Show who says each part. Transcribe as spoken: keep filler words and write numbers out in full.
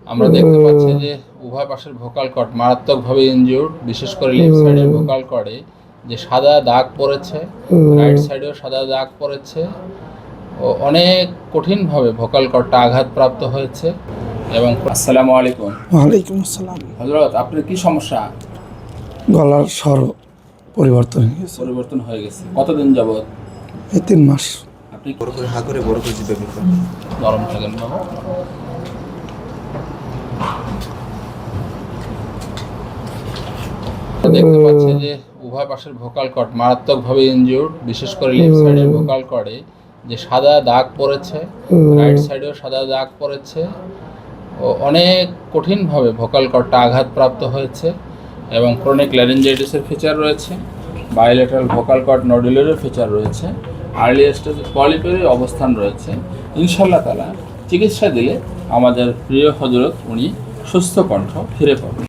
Speaker 1: আমরা দেখতে পাচ্ছি যে উভয় পাশের ভোকাল কর্ড মারাত্মকভাবে ইনজিউর্ড, বিশেষ করে লেফট সাইডের ভোকাল কর্ডে যে সাদা দাগ পড়েছে, রাইট সাইডেও সাদা দাগ পড়েছে ও অনেক কঠিনভাবে ভোকাল কর্ডটা আঘাতপ্রাপ্ত হয়েছে। এবং আসসালামু আলাইকুম।
Speaker 2: ওয়ালাইকুম আসসালাম।
Speaker 1: হযরত, আপনার কি সমস্যা?
Speaker 2: গলার স্বর পরিবর্তন হয়ে গেছে।
Speaker 1: পরিবর্তন হয়ে গেছে কতদিন যাবত?
Speaker 2: এই তিন মাস।
Speaker 1: আপনি
Speaker 3: বড় করে হা করে বড় করে জিভে মুখে
Speaker 1: নরম থাকেন বাবা। দেখতে পাচ্ছি যে উভয় পাশের ভোকাল কর্ড মারাত্মকভাবে ইনজিউর্ড, বিশেষ করে লেফট সাইডের ভোকাল কর্ডে যে সাদা দাগ পড়েছে, রাইট সাইডেও সাদা দাগ পড়েছে ও অনেক কঠিনভাবে ভোকাল কর্ডটা আঘাতপ্রাপ্ত হয়েছে। এবং ক্রনিক ল্যারিঞ্জাইটিসের ফিচার রয়েছে, বায়োলেটারাল ভোকাল কর্ড নডুলেরও ফিচার রয়েছে, আর্লি স্টেজ পলিপেরই অবস্থান রয়েছে। ইনশাআল্লাহ তাআলা চিকিৎসা দিলে আমাদের প্রিয় হযরত উনি সুস্থ কণ্ঠ ফিরে পাবেন।